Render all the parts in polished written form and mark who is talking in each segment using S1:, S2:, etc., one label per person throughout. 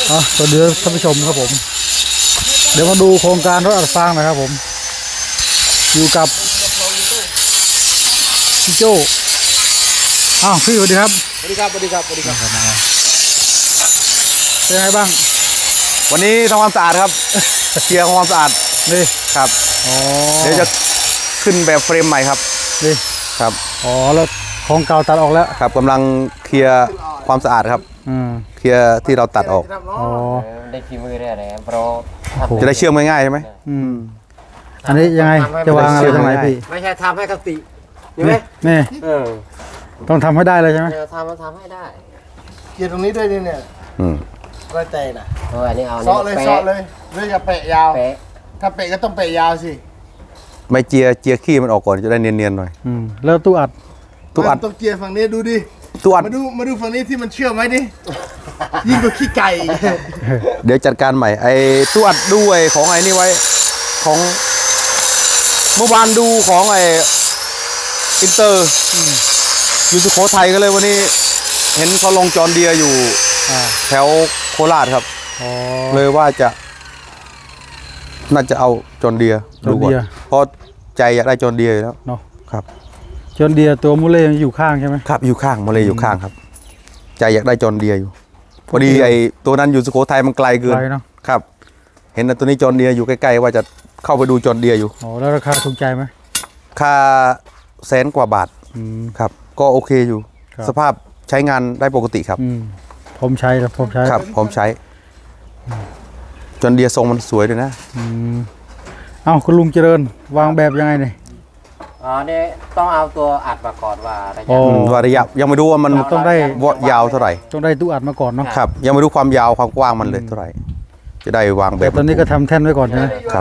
S1: สวัสดีท่านผู้ชมครับผมเดี๋ยวมาดูโครงการรถอัดฟางนะครับผมอยู่กับพี่โจ้พี่สวัสดีครับ
S2: สวัสดีครับสวัสดีครับสวัสดีครับ
S1: เป็นไงบ้าง
S2: วันนี้ทำความสะอาดครับเคลียร์ความสะอาด
S1: นี่
S2: ครับเดี๋ยวจะขึ้นแบบเฟรมใหม่ครับ
S1: นี่
S2: ครับ
S1: แล้วของเก่าตัดออกแล้ว
S2: ครับกำลังเคลียร์ความสะอาดครับเคลียร์ที่เราตัดออก
S3: ได้ฝีมือได้อะไรเพราะ
S2: จะได้เชื่อมง่ายๆใช่ไหม
S1: อันนี้ยังไงจะวางอะไรตรงไหนพี่
S3: ไม่ใช่ทำให้กติใช่ไหม
S1: นี่ต้องทำให้ได้เลยใช่ไหม
S3: ทำให้ได้
S4: เกียร์ตรงนี้ด้วยเนี่ยก็ใจนะ
S3: อันนี้เอา
S4: เซาะเลยหรือจะเปะยาวถ้าเปะก็ต้องเปะยาวสิ
S2: ไม่เจียขี้มันออกก่อนจะได้เนียนๆหน่อย
S1: แล้วตู้อัด
S4: ต้องเกียร์ฝั่งนี้ดูดิ
S2: ตู้อัด
S4: มาดูฝั่งนี้ที่มันเชื่อมไหมดิยิ่งกว่าขี้ไก่
S2: เดี๋ยวจัดการใหม่ไอ้ตู้อัดด้วยของไอ้นี่ไว้ของเมื่อวานดูของไอ้อินเตอร์อยู่สุโขทัยก็เลยวันนี้เห็นเขาลงจอนเดียอยู่แถวโคราชครับเลยว่าน่าจะเอาจอนเดียดูก่อนเพราะใจอยากได้จอนเดียอยู่แล้ว
S1: เนาะ
S2: ครับ
S1: จอนเดียตัวมูเล่อยู่ข้างใช่ไหม
S2: ครับอยู่ข้างมูเล่อยู่ข้างครับใจอยากได้จอนเดียอยู่พอดีไอ้ตัวนั้นอยู่สุโขทัยมันไกลเกินครับเห็นตัวนี้จอนเดียอยู่ใกล้ๆว่าจะเข้าไปดูจอนเดียอยู่
S1: แล้วราคาถูกใจไหม
S2: ค่า100,000 กว่าบาทครับก็โอเคอยู่สภาพใช้งานได้ปกติครับ
S1: ผมใช้ครับ
S2: ผมใช้จนเดียทรงมันสวยด้วยนะ
S1: คุณลุงเจริญวางแบบยังไงเนี่ย
S3: นี่ต้องเอาตัวอัดมาก่อนว่า
S2: ระยะยังไม่รู้ว่ามัน
S1: ต้องได้
S2: ยาวเท่าไหร่
S1: ต้องได้ตู้อัดมาก่อนเนาะ
S2: ครับยังไม่รู้ความยาวความกว้างมันเลยเท่าไหร่จะได้วางแบบ
S1: ตอนนี้ก็ทำแท่นไว้ก่อนใช่ไหม
S2: ครับ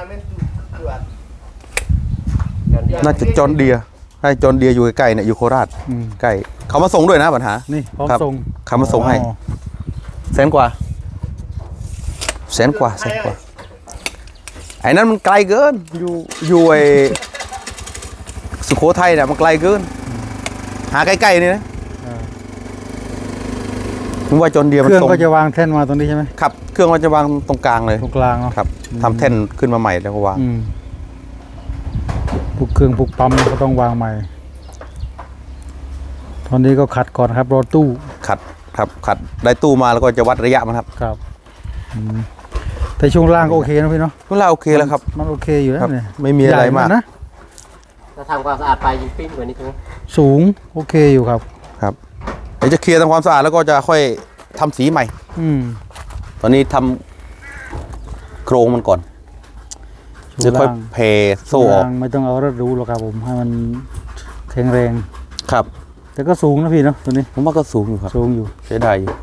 S2: น่าจะจอนเดียให้จอนเดียอยู่ใกล้ๆเนี่ยอยู่โคราชใกล้เขามาส่งด้วยนะปัญหา
S1: นี่พร้อมส่ง
S2: เขามาส่งให้100,000 กว่าไอ้นั้นมันไกลเกินอยู่ไอ้สุโขทัยเนี่ยมันไกลเกินหาใกล้ๆนี่นะผมว่าจอนเดีย
S1: เครื่องก็จะวางแท่นมาตรงนี้ใช่ไหม
S2: ครับเครื่องมันจะวางตรงกลางเลย
S1: ตรงกลางเนาะ
S2: ครับทำแท่นขึ้นมาใหม่แล้วก็วาง
S1: พวกเครื่องพวกปั๊มก็ต้องวางใหม่ตอนนี้ก็ขัดก่อนครับรอตู้
S2: ขัดได้ตู้มาแล้วก็จะวัดระยะมันครับ
S1: แต่ช่วงล่างก็โอเคนะพี่เนาะ
S2: ช่วงล่างโอเคแล้วครับ
S1: มันโอเคอยู่แล้วเนี่ย
S2: ไม่มีอะไรมากนะ
S3: ถ้าทำความสะอาดไปยิ่งปิ้งกว่านี้ถูกไหม
S1: สูงโอเคอยู่ครับ
S2: เดี๋ยวจะเคลียร์ทำความสะอาดแล้วก็จะค่อยทำสีใหม่ตอนนี้ทำโครงมันก่อนจะค่อยเพโซ่ออก
S1: ไม่ต้องเอารถรู้หรอกครับผมให้มันแข็งแรง
S2: ครับ
S1: แต่ก็สูงนะพี่เนาะตัวนี้
S2: ผมว่าก็สูงอยู่ครับ
S1: สูงอยู่
S2: ใช้ได้อยู่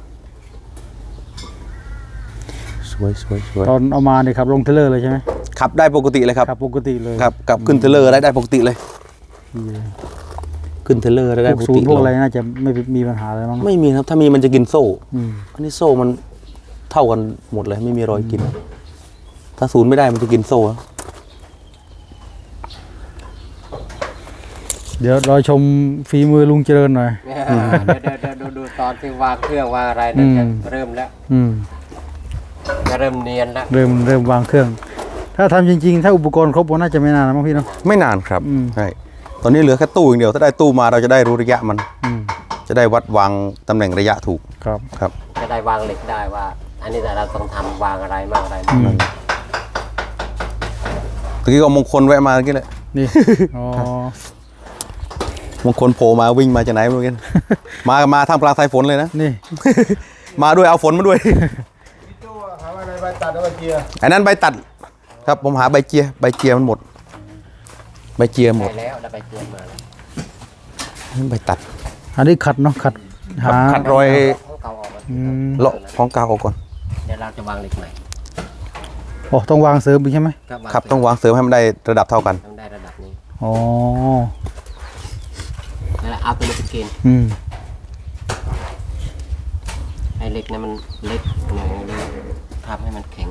S2: สวย
S1: ตอนเอามาเนี่ยครับลงเทเลอร์เลยใช่ไหม
S2: ขับได้ปกติเลยครับ
S1: ปกติเลย
S2: ครับกับขึ้นเทเลอร์ได้ปกติเลยขึ้นเทเลอร์ได้ปกติ
S1: พวกอะไรน่าจะไม่มีปัญหาอะไรมั้ง
S2: ไม่มีครับถ้ามีมันจะกินโซ่อันนี้โซ่มันเท่ากันหมดเลยไม่มีรอยกินถ้าศูนย์ไม่ได้มันจะกินโซ่
S1: เดี๋ยวเราชมฝีมือลุงเจริญหน่อย
S3: ดูตอนที่วางเครื่องวางอะไรนั่นเริ่มแล้วจะเริ่มเนียนแล้ว
S1: เริ่มวางเครื่องถ้าทำจริงๆถ้าอุปกรณ์ครบก็น่าจะไม่นานนะมั้งพี่เนาะ
S2: ไม่นานครับใช่ตอนนี้เหลือแค่ตู้อย่างเดียวถ้าได้ตู้มาเราจะได้รู้ระยะมันจะได้วัดวางตำแหน่งระยะถูกครับ
S3: จะได้วางเหล็กได้ว่าอันนี้แต่เราต้องทำวางอะไรมากอะไร
S2: ตะกี้ก็มงคลแวะมาเมื่อกี้เลย
S1: นี่
S2: มงคลโผล่มาวิ่งมาจากไหนไม่รู้กันมาทำกลางสายฝนเลยนะ
S1: นี่
S2: มาด้วยเอาฝนมาด้วย
S4: หาใบตัดแล้วใบเจีย
S2: อันนั้นใบตัดครับผมหาใบเจียมันหมดใบเจียหมด
S3: แล้วใบเจียมา
S2: ใบตัด
S1: อันนี้ขัดเนาะขั
S2: ดรอยเลาะของกาวออกก่อน
S3: เดี๋ยวเราจะวางเหล็กใหม่
S1: ต้องวางเสริมอีกใช่ไหม
S2: ครับต้องวางเสริมให้มันได้ระดับเท่ากัน
S3: ต้องได้ระดับนี้
S1: แล้ว
S3: เอาตัวนี้ไปเกณฑ์ไอ้เหล็กเนี่ยมันเล็กหน่อยเลยทำให้มันแข็ง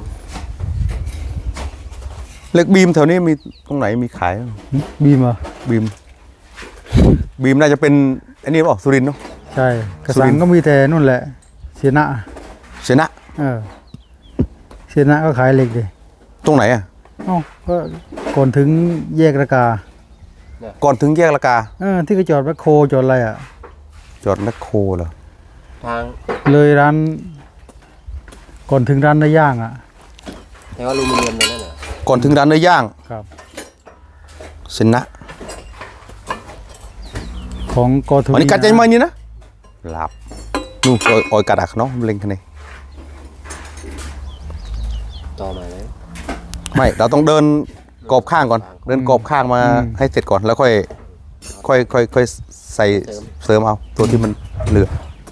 S2: เหล็กบีมแถวนี้มีตรงไหนมีขาย
S1: บีมอ่ะ
S2: บีมน่าจะเป็นอันนี้ป่ะสุรินทร์เนาะ
S1: ใช่กระสังก็มีแต่นู่นแหละเสียหน้า
S2: เสนะ
S1: เซนะก็ขายเหล็กดิ
S2: ตรงไหนอ่ะ
S1: เอ้าก็ก่อนถึงแยกระกา
S2: ก่อนถึงแยกละกา
S1: ที่เขาจอดแมคโครจอดอะไรอ่ะ
S2: จอดแมคโครเหรอ
S3: ทาง
S1: เลยร้าน ก่อนถึงร้านเนื้อย่างอ่ะ
S3: แต่ว่าอลูมิเนียมเลยนั่นน่ะ
S2: ก่อนถึงร้านเนื้อย่าง
S1: ครับ
S2: เสนะ
S1: ของกทวี
S2: อันนี้กัดใจไหมนี่นะหลับนู่นออยกัดอักเนาะเล็งคันนี้
S3: ต่อมาเลย
S2: ไม่เราต้องเดินกรอบข้างก่อน เดินกรอบข้างมาให้เสร็จก่อนแล้วค่อยใส่เสริมเอาตัวที่มันเหลือ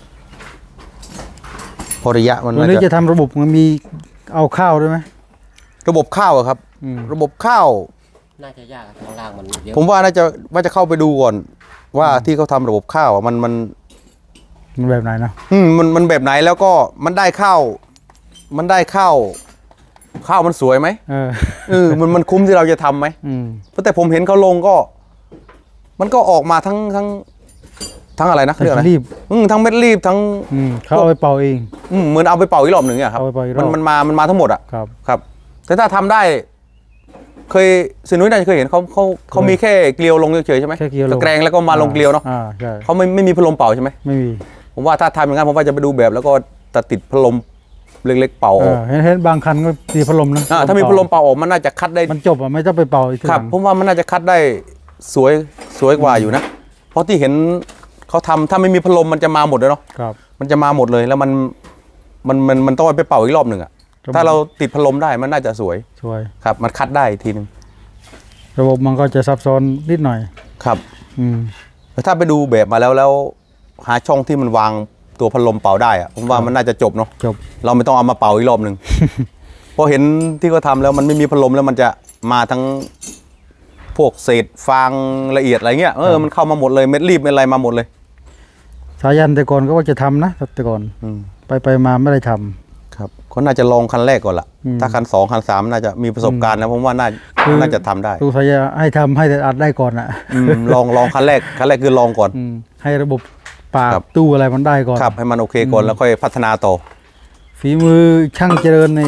S2: พอระยะมัน
S1: วันนี้จะทำระบบมันมีเอาข้าวด้วยไหม
S2: ระบบข้าวอะครับ ระบบข้าว
S3: น่าจะยากข้างล่างมันเยอะ
S2: ผมว่าน่าจะเข้าไปดูก่อน ว่าที่เขาทำระบบข้าวอะมัน
S1: มันแบบไหนนะ
S2: มันแบบไหนแล้วก็มันได้ข้าวมันสวยไหมมันคุ้มที่เราจะทำไหมเพราะแต่ผมเห็นเขาลงก็ มันก็ออกมาทั้งอะไรนะเรื่องอะไร
S1: รีบ
S2: ทั้งเม็ดรีบทั้ง
S1: เขาเอาไปเป่าเอง
S2: เหมือนเอาไปเป่าอีกรอบหนึ่งอะครับ
S1: เอาไปเป่าอีกรอบ
S2: มันมาทั้งหมดอะ
S1: ครับ
S2: ครับ แต่ถ้าทำได้ เคยสินุ้ยน่าจะเคยเห็นเขามีแค่เกลียวลงเฉยๆใช่ไหม
S1: แค่เกลียวลง
S2: ตะแกรงแล้วก็มาลงเกลียวเนาะ
S1: ใช่
S2: เขาไม่มีพัดลมเป่าใช่ไหม
S1: ไม่มี
S2: ผมว่าถ้าทำอย่างนั้นผมว่าจะไปดูแบบแล้วก็ตัดติดพัดลมเล็กๆเป่าออก
S1: เห็นบางคันก็มีพัดลมนะ
S2: ถ้ามีพัดลมเป่าออกมันน่าจะคัดได้
S1: มันจบอ่ะไม่ต้องไปเป่าอีกที
S2: ครับ
S1: หลัง
S2: ผมว่ามันน่าจะคัดได้สวยกว่าอยู่นะเพราะที่เห็นเขาทำถ้าไม่มีพัดลมมันจะมาหมดเลยเนาะ
S1: ครับ
S2: มันจะมาหมดเลยแล้วมันต้องไปเป่าอีกรอบหนึ่งอะถ้าเราติดพัดลมได้มันน่าจะสวย
S1: สวย
S2: ครับมันคัดได้อีกทีหนึง
S1: ระบบมันก็จะซับซ้อนนิดหน่อย
S2: ครับ
S1: อืม
S2: แต่ถ้าไปดูแบบมาแล้วหาช่องที่มันวางตัวพัดลมเป่าได้อะผมว่ามันน่าจะจบเนาะ
S1: จบ
S2: เราไม่ต้องเอามาเป่าอีกรอบหนึ่ง พอเห็นที่เขาทำแล้วมันไม่มีพัดลมแล้วมันจะมาทั้งพวกเศษฟางละเอียดอะไรเงี้ยมันเข้ามาหมดเลยเม็ดรีบเม็ดอะไรมาหมดเลย
S1: สายันแต่ก่อนก็ว่าจะทำนะแต่ก่อน ไปมาไม่ได้ทำ
S2: ครับก็น่าจะลองคันแรกก่อนละ ถ้าคัน2คัน3น่าจะมีประสบการณ์แล้วผมว่าน่าจะทำได้
S1: ดูสายาให้ทำให้แต่อัดได้ก่อนอ่ะ
S2: ลองคันแรกคือลองก่อน
S1: ให้ระบบปาก
S2: ครับ
S1: ตู้อะไรมันได้ก่อน
S2: ครับให้มันโอเคก่อนแล้วค่อยพัฒนาต่อ
S1: ฝีมือช่างเจริญใน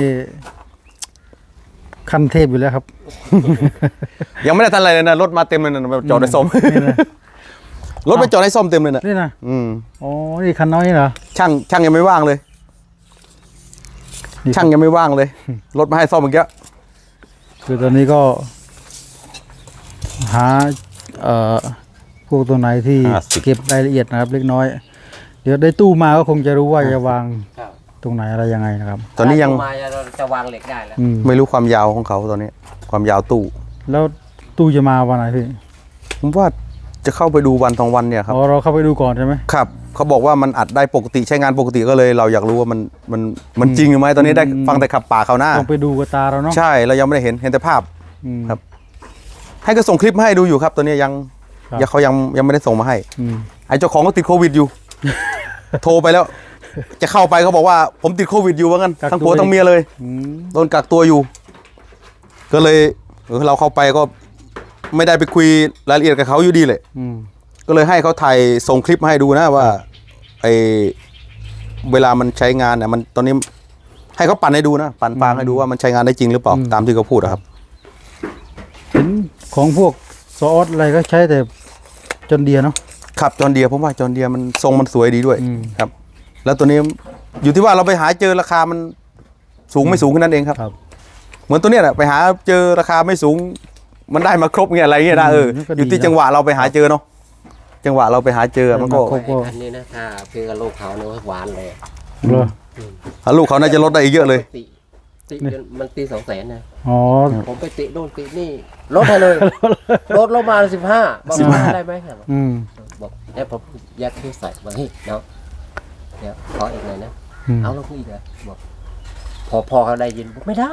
S1: ขั้นเทพอยู่แล้วครับ
S2: ยังไม่ได้ทันอะไรเลยนะรถมาเต็มเลยนะจอดในซ่อม
S1: นี่นะ
S2: รถไปจอดในซ่อมเต็มเลยนะ
S1: นี่นะอ๋อนี่คันน้อยนี่เหรอ
S2: ช่างยังไม่ว่างเลย
S1: นี่
S2: ช่างยังไม่ว่างเลย รถมาให้ซ่อมเมื่อกี้
S1: คือตอนนี้ก็ หาพวกตัวไหนที่เก็บรายละเอียดนะครับ เล็กน้อย เดี๋ยวได้ตู้มาก็คงจะรู้ว่าจะวาง
S3: ครับ
S1: ตรงไหนอะไรยังไงนะครับ
S2: ตอนนี้ยัง
S3: มาเราจะวางเหล็กได้แล้ว
S2: ไม่รู้ความยาวของเขาตอนนี้ ความยาวตู้
S1: แล้วตู้จะมาวันไหนพี่
S2: ผมว่าจะเข้าไปดูวัน2วันเนี่ยครับ
S1: อ๋อเราเข้าไปดูก่อนใช่ไหม
S2: ครับเขาบอกว่ามันอัดได้ปกติใช้งานปกติก็เลยเราอยากรู้ว่ามันจริงหรือไม่ตอนนี้ได้ฟังแต่ขับป่าเขาหน้า
S1: ต้องไปดูกับตาเราเนาะ
S2: ใช่เรายังไม่ได้เห็นแต่ภาพ
S1: อืม
S2: ครับ ให้ก็ส่งคลิปมาให้ดูอยู่ครับตัวนี้ยัง
S1: ครับ
S2: เขายังไม่ได้ส่งมาให้
S1: อืม
S2: ไอ้เจ้าของก็ติดโควิดอยู่ โทรไปแล้ว จะเข้าไปเขาบอกว่าผมติดโควิดอยู่ว่างั้นทั้งผัวทั้งเมียเลย
S1: อืม
S2: โดนกักตัวอยู่ ก็เลยเราเข้าไปก็ไม่ได้ไปคุยรายละเอียดกับเขาอยู่ดีเลย
S1: อืม
S2: ก็เลยให้เขาถ่ายส่งคลิปมาให้ดูนะว่าไอเวลามันใช้งานเนี่ยมันตอนนี้ให้เขาปั่นให้ดูนะปั่นฟางให้ดูว่ามันใช้งานได้จริงหรือเปล่าตามที่เขาพูดอะครับ
S1: เห็นของพวกซอสอะไรก็ใช้แต่จนเดียเนาะ
S2: ครับจอห์นเดียร์ผมว่าจอห์นเดียร์มันทรงมันสวยดีด้วย
S1: อืม
S2: ครับ แล้วตัวนี้อยู่ที่ว่าเราไปหาเจอราคามันสูงไม่สูงแค่นั้นเองครับ
S1: ครับ
S2: เหมือนตัวเนี้ยแหละไปหาเจอราคาไม่สูง มันได้มาครบเงี้ยอะไรเงี้ยนะอยู่ที่จังหวะเราไปหาเจอเนาะจังหวะเราไปหาเจอมันก็
S1: ครบ
S3: ไอ้คันนี้นะถ้าเพื่อลูกเขาเนี่ยหวานเลย
S1: เหรอ
S2: ลูกเขาน่าจะลดได้อีกเยอะเลย
S3: ติจนมันตี200,000นะ
S1: อ๋อ
S3: ผมไปติโน่นตินี่ลดให้เลยลดลงมา15บอกว่าได้ไหมครับ
S1: อืม
S3: บอกเนี่ยผมยัดที่ใส่มาให้เนาะเดี๋ยวขออีกหน่อยนะ
S1: ม
S3: เอาลงอีกเหรอบอกพอเขาได้ยินบอกไม่ได้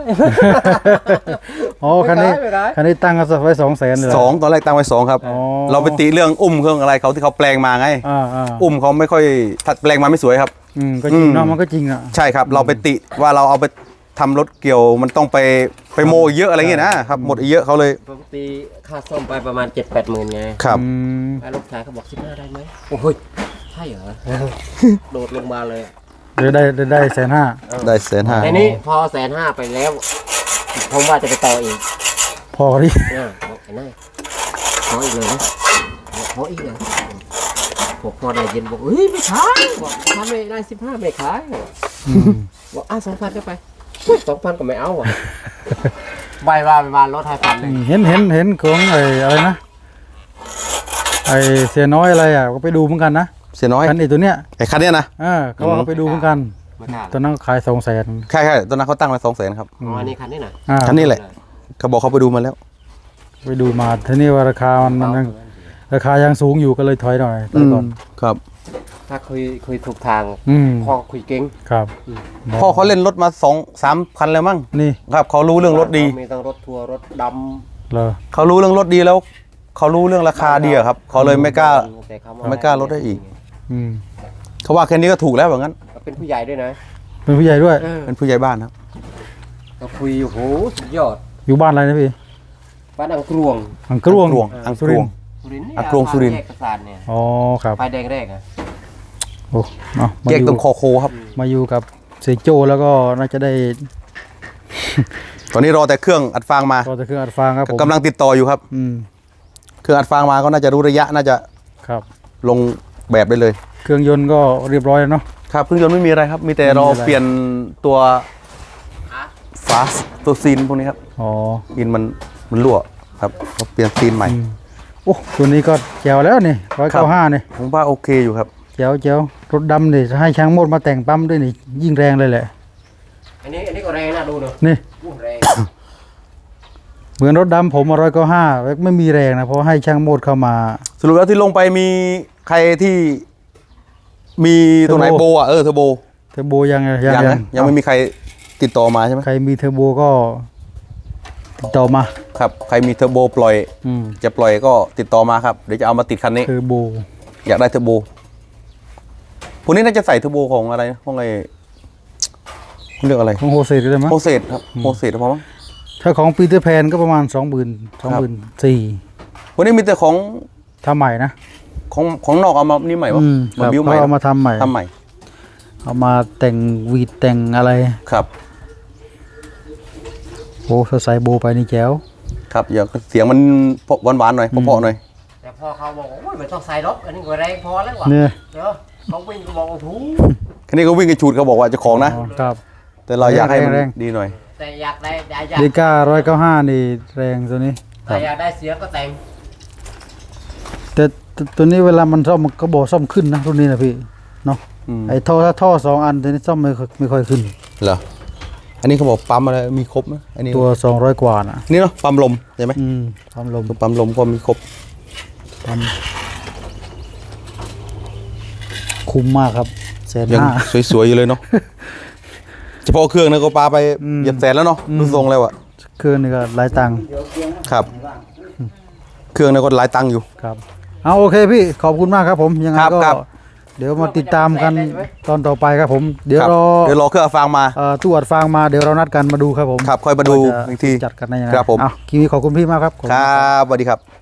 S1: อ๋อคันนี้
S3: ไม่ได้
S1: คันนี้ตั้งกันไว้200,000เลยเหร
S2: 2ตอนแรกตั้งไว้2ครับ
S1: อ๋อ
S2: เราไปติเรื่องอุ้มเครื่องอะไรเขาที่เขาแปลงมาไง
S1: อ่า
S2: อุ้มเขาไม่ค่อยถัดแปลงมาไม่สวยครับ
S1: ก็จริงเนาะมันก็จริงอ่ะ
S2: ใช่ครับ เราไปติว่าเราเอาไปทำรถเกี่ยวมันต้องไปโมอีกเยอะอะไรเงี้ยนะครับหมดอีกเยอะเขาเลย
S3: ปกติค่าซ่อมไปประมาณ 7-8 หมื่นไง
S2: ครับ
S1: อืม
S3: ไอ้ลูกชายเขาบอก15ได้ไหมโอ้ยใช่เหรอ โดดลงมาเลย
S1: ได้150,000
S2: ได้150,000
S3: ในนี้พอ150,000ไปแล้วผมว่าจะไปต่ออีก
S1: พอที่
S3: บอกไอ้นายขออีกเลยนะขออีกเลยพอได้ยินบอกเฮ้ยไม่ขายบอกทำไม่ได้15ไม่ขายบอก2,000ก็ไป2,000ก็ไม่เอาว่ะใบว่าลด5,000เลย
S1: เห็นของอะไรนะเสียน้อยอะไรอ่ะก็ไปดูเหมือนกันนะ
S2: เสียน้อย
S1: คันตัวเนี้ย
S2: ไอ้คันเนี้ยนะ
S1: เขาว่าเขาไปดูเหมือนกัน
S3: ไม่กล้า
S1: ตอนนั้นขาย200,000
S2: ใช่ตอนนั้นเขาตั้งไว้200,000ครับ
S3: อ๋ออันนี้คันนี้น่ะ
S2: คันนี้แหละเขาบอกเขาไปดูมาแล้ว
S1: ไปดูมาทีนี้ว่าราคามันยังราคายังสูงอยู่ก็เลยถอยหน่อยถอยก่อน
S2: ครับ
S3: ถ้าคุยถูกทาง พ่อคุยเก่ง
S1: ครับ
S2: พ่อเขาเล่นรถมา2-3 คันแล้วมั้ง
S1: นี่
S2: ครับเขารู้เรื่องรถดี
S3: มีทั้งรถทัวร์รถด
S1: เหรอ
S2: เขารู้เรื่องรถดีแล้ว เขารู้เรื่องราคาดีอะครับเขาเลยไม่กล้า
S3: ำแต่เข
S2: ไม่กล้าลดได้อีก
S1: อืม
S2: เขาว่าแค่นี้ก็ถูกแล้วแบบนั้น
S3: เป็นผู้ใหญ่ด้วยนะ
S1: เป็นผู้ใหญ่ด้วย
S2: เป็นผู้ใหญ่บ้านครับ
S3: ก็คุยโอ้โหสุดยอด
S1: อยู่บ้านอะไรนะพี่
S3: บ้านอังกรวง
S1: อังกรวง
S2: อังก
S1: สุ
S2: ร
S1: ริ
S2: วง
S1: นทร์
S3: สุรินทร์นี่
S2: อังกรวงสุรินทร์
S3: แยกกระสานเนี่ย
S1: อ๋อครับ
S3: ไฟแดงแรกอะ
S1: โอ้เนาะมา
S2: แย
S1: อก
S2: ตร
S1: ยู่
S2: งคอโคครับ
S1: มาอยู่กับเสยโจแล้วก็น่าจะได้
S2: ตอนนี้รอแต่เครื่องอัดฟางมา
S1: ก็จะเครื่องอัดฟางครับผม
S2: กำลังติดต่ออยู่ครับ เครื่องอัดฟางมาก็น่าจะรู้ระยะน่าจะ
S1: ครับ
S2: ลงแบบได้เลย
S1: เครื่องยนต์ก็เรียบร้อยแล้วเนาะ
S2: ครับเครื่องยนต์ไม่มีอะไรครับ มีแต่รอ
S1: ไม่มีอะไร
S2: เปลี่ยนตัวฟาสตัวซีนพวกนี้ครับ
S1: อ๋อ
S2: อินมันรั่วครับเราเปลี่ยนซีนใหม่
S1: โอ้ตัวนี้ก็แจ๋วแล้วนี่195นี่
S2: ผมว่าโอเคอยู่ครับ
S1: แจ๋วรถดำนี่ให้ช่างโมดมาแต่งปั๊มด้วยนี่ยิ่งแรงเลยแหละ
S3: อันนี้ก็แรงนะดูเนอะ
S1: นี่
S3: อู้แรง
S1: เหมือนรถดำผม195ไม่มีแรงนะเพราะให้ช่างโมดเข้ามา
S2: สรุปแล้วที่ลงไปมีใครที่มีตัวไหน
S1: เทอร์โบ
S2: โบอ่ะเทอร์โบ
S1: เทอร์โบยัง
S2: นะยังไม่มีใครติดต่อมาใช่ไหม
S1: ใครมีเทอร์โบก็ติดต่อมา
S2: ครับใครมีเทอร์โบปล่อย จะปล่อยก็ติดต่อมาครับเดี๋ยวจะเอามาติดคันนี้
S1: เทอร์โบ
S2: อยากได้เทอร์โบพวกนี้น่าจะใใส่เทอร์โบของอะไรนะของไอ้เรียกอะไร
S1: ของโฮเซลได้ไหม
S2: โมเสสครับโมเสสพอมั้ง
S1: ถ้าของปีเตอร์แพนก็ประมาณ 24,000
S2: พวกนี้มีแต่ของ
S1: ทำใหม่นะ
S2: ของนอกเอามานี่ใหม่วะ
S1: ค
S2: มา
S1: รับ
S2: บิ้วใหม่
S1: เขาเอามาทำใหม่
S2: ทำใหม่
S1: เอามาแต่งวีดแต่งอะไร
S2: ครับ
S1: โอ้ถ้าใส่โบไปนี่แจ๋ว
S2: ครับอย่างเสียงมันหวานๆหน่อยเพราะๆหน่อย
S3: แต่พอเขาบอกว่าโอ้ยไม่ต้องใส่รถอันนี้ก็แรงพอแล้วว่ะ
S1: เนี่ย
S3: เดี๋ยวเขาวิ่งก็บอกโอ้โห
S2: คันนี้ก็วิ่งกันชูดเขาบอกว่าเจ้าของนะ
S1: อ๋อครับ
S2: แต่เราอยากให้มัน
S1: แรง
S2: ดีหน่อย
S3: แต่อยากได้
S1: เดก้า195นี่แรงตัวนี้
S3: แต่อยากได้เสียงก็แต่ง
S1: แต่ตัวนี้เวลามันซ่อมมันก็บอกซ่อมขึ้นนะรุ่นนี้นะพี่เนาะ
S2: อืม
S1: ไอ้ท่อ2 อันตัวนี้ซ่อมไม่ค่อยขึ้น
S2: เหรออันนี้เขาบอกปั๊มอะไรมีครบไหมอันนี้
S1: ตัว200 กว่านะ
S2: นี่เนาะปั๊มลมใช่ไหม
S1: ความลม
S2: ตัวปั๊มลมก็มีครบ
S1: ปั๊มคุ้มมากครับ150,000
S2: ยังสวยๆอยู่เลยเนาะ เฉพาะเครื่องนะก็ปาไปเหยียบแสนแล้วเนาะดูทรงแล้วอะ
S1: เครื่องนี่ก็หลายตังค์
S2: ครับ เครื่องนะก็หลายตังค์อยู่
S1: ครับเอาโอเคพี่ขอบคุณมากครับผมยังไง
S2: ครับ
S1: ก็
S2: ครับ
S1: เดี๋ยวมาติดตามกันตอนต่อไปครับผม เดี๋ยว
S2: ครับ
S1: รอ
S2: เดี๋ยวรอเครื่องอัดฟางมา
S1: ตู้อัดฟางมาเดี๋ยวเรานัดกันมาดูครับผม
S2: ครับค่อยมาดู
S1: ว่าจะ
S2: อีกที
S1: จัดกันได้ยังไง
S2: ครับผม
S1: เอาคลิปนี้ขอบคุณพี่มากครับขอบคุณ
S2: ครับสวัสดีครับ